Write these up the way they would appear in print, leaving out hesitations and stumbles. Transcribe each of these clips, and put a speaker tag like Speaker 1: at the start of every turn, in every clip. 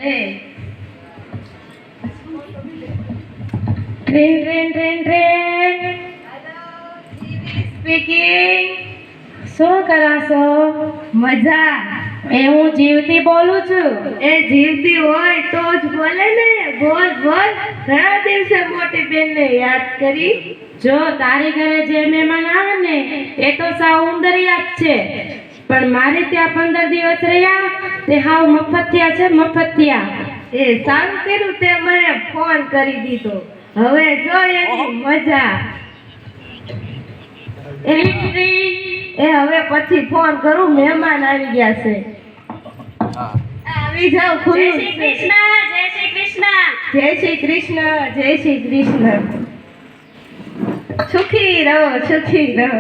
Speaker 1: Train train train train. Speaking. શું કરાશો?
Speaker 2: મજા.
Speaker 1: એ હું જીવતી બોલું છું.
Speaker 2: એ જીવતી હોય તો જ બોલે ને. બોલ બોલ. ઘણા દિવસે મોટી બેનને યાદ કરી.
Speaker 1: જો તારી ઘરે જે મહેમાન આવે ને એ તો સાવ ઉંદરિયા જ છે, પણ મારે ત્યાં 15 દિવસ રહ્યા તે હાવ મફતિયા છે, મફતિયા.
Speaker 2: એ સારું કર્યું તે મને ફોન કરી દીધો. હવે જો એની મજા. એ હવે પછી ફોન કરું, મહેમાન આવી ગયા છે. આવી જાવ.
Speaker 1: જય શ્રી કૃષ્ણ, જય શ્રી કૃષ્ણ.
Speaker 2: જય શ્રી કૃષ્ણ, જય શ્રી કૃષ્ણ. સુખી રહો, સુખી રહો.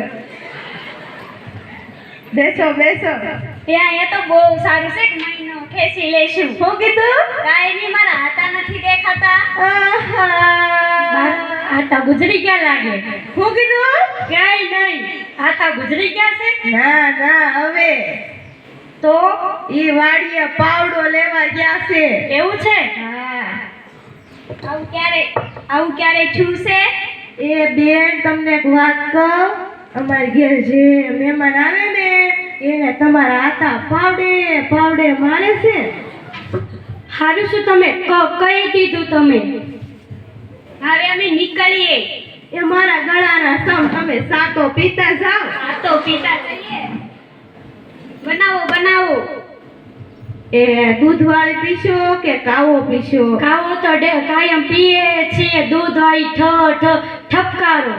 Speaker 2: બેસો બેસો.
Speaker 1: ત્યાં એ તો બહુ સારું છે કે મહિનો ખેંચી લેશું.
Speaker 2: શું કીધું?
Speaker 1: કાંઈ નહીં, મારા હાથા નથી દેખાતા.
Speaker 2: આહા.
Speaker 1: હાથા ગુજરી ગયા લાગે.
Speaker 2: શું કીધું?
Speaker 1: ક્યાંય નહીં, હાથા ગુજરી ગયા છે.
Speaker 2: ના ના, હવે
Speaker 1: તો
Speaker 2: ઈ વાડીએ પાવડો લેવા ગયા છે.
Speaker 1: એવું છે?
Speaker 2: હા.
Speaker 1: આવું ક્યારે થયું છે?
Speaker 2: એ બેન તમને એક વાત કહું, અમારી ઘેર જે મહેમાન આવે ને એને તમારા હાથા પાવડે પાવડે મારે છે.
Speaker 1: હારું શું તમે કહી દીધું તમે. હવે અમે નીકળીએ.
Speaker 2: એ મારા ગળાના સમ તમે સાતો પીતા જાઓ.
Speaker 1: આ તો પીતા જઈએ. બનાવો બનાવો.
Speaker 2: એ દૂધવાળી પીશો કે કાવો પીશો?
Speaker 1: ખાવો તો કાયમ પીએ છીએ દૂધ વાળી ઠપકારો.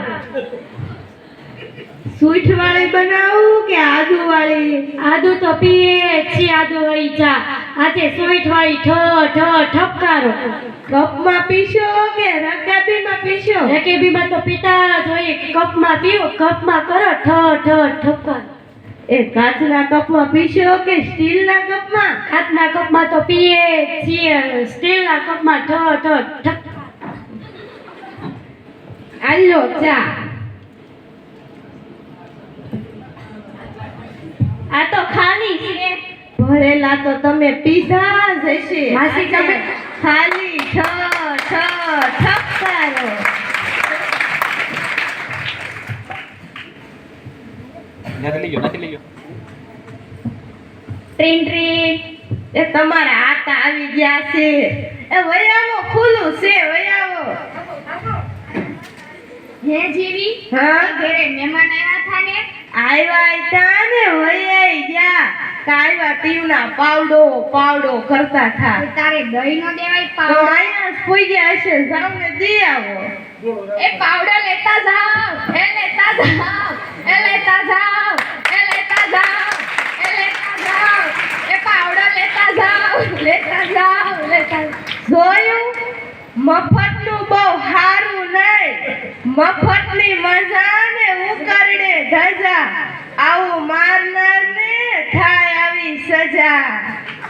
Speaker 2: સૂંઠવાળી બનાવું કે આદુવાળી?
Speaker 1: આદુ તો પીએ છીએ, આદુ વાળી ચા. આજે સોઈઠ વાળી ઠપકારો.
Speaker 2: કપમાં પીશો કે રકાબીમાં પીશો?
Speaker 1: રેકેબીમાં તો પીતા જ હોય, કપમાં પીવો, કપમાં કરો ઠપકારો.
Speaker 2: એ કાચના કપમાં પીશો કે સ્ટીલના કપમાં?
Speaker 1: કાચના કપમાં તો પીએ છીએ, સ્ટીલના કપમાં ઠપકારો.
Speaker 2: આલો ચા.
Speaker 1: આ તો ખાલી છે.
Speaker 2: ભરેલા તો તમે પીધા જ હશે.
Speaker 1: માસી તમે
Speaker 2: ખાલી ઠપકારો.
Speaker 3: નથી લઈ ગયો.
Speaker 1: ટ્રીન ટ્રીન.
Speaker 2: એ તમારા હાથા આવી ગયા છે. એ વયાવો, ખુલ્લું છે, વયાવો.
Speaker 1: હે જીવી.
Speaker 2: હા.
Speaker 1: ઘરે મહેમાન આવ્યા હતા ને.
Speaker 2: આવ્યા તા ને વયાઈ ગયા. કાયવા ટીવના પાવડો કરતા થા.
Speaker 1: તારે દહીં નો દેવાય
Speaker 2: તો
Speaker 1: પાવડો.
Speaker 2: અહીંયા પૂઈ ગયા હશે, જાઓ ને દી આવો.
Speaker 1: એ પાવડો લેતા જાવ. એ લેતા જાવ. એ લેતા જાવ. એ લેતા જાવ. એ લેતા જાવ. એ પાવડો લેતા જાવ. લેતા જાવ. લેતા
Speaker 2: જોયું? મફતનું બહુ સારું નહીં. મફતની મજા ને ઉકરડે ધજા. આવું મારનાર ને થાય આવી સજા.